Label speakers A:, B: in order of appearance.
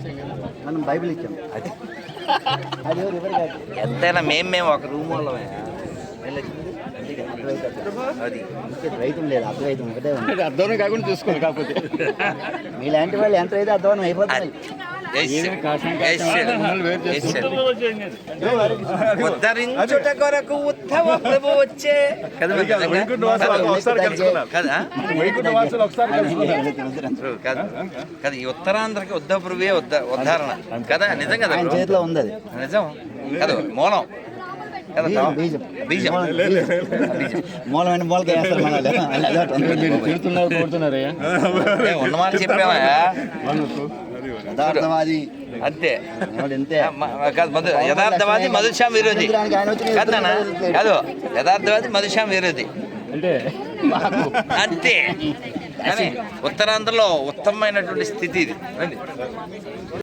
A: మనం బైబిల్ ఇచ్చాం.
B: అది
A: అది ఎవరు కాదు.
B: ఎంతైనా మేము ఒక రూమ్ వాళ్ళమే. అది
A: ద్వైతం లేదు, అద్వైతం ఒకటే ఉంది.
C: అర్థం కాకుండా చూసుకోండి. కాకపోతే
A: మీలాంటి వాళ్ళు ఎంత అయితే అర్థం అయిపోతుంది.
B: ఉద్ధరించుట కొరకు ఉత్తమ ప్రభు వచ్చే కదా. ఈ ఉత్తరాంధ్రకి ఉద్ధవ ప్రభువే ఉద్ధారణ కదా. నిజం కదా,
A: చేతిలో ఉంది అది.
B: నిజం కదా. మూలం
A: బీజం
B: బీజం
A: మూలమైన మూలకి వేస్తారు
C: కోరుతున్నారయ్యా.
B: ఉన్నమాట చెప్పామా.
A: యథార్థవాది
B: అంతే
A: ఇంతే.
B: యథార్థవాది మధుశ్యామ విరోధి కాదన్నా. కాదు, యథార్థవాది మధుశ్యామ విరోధి
C: అంటే
B: అంతే. కానీ ఉత్తరాంధ్రలో ఉత్తమమైనటువంటి స్థితి ఇది.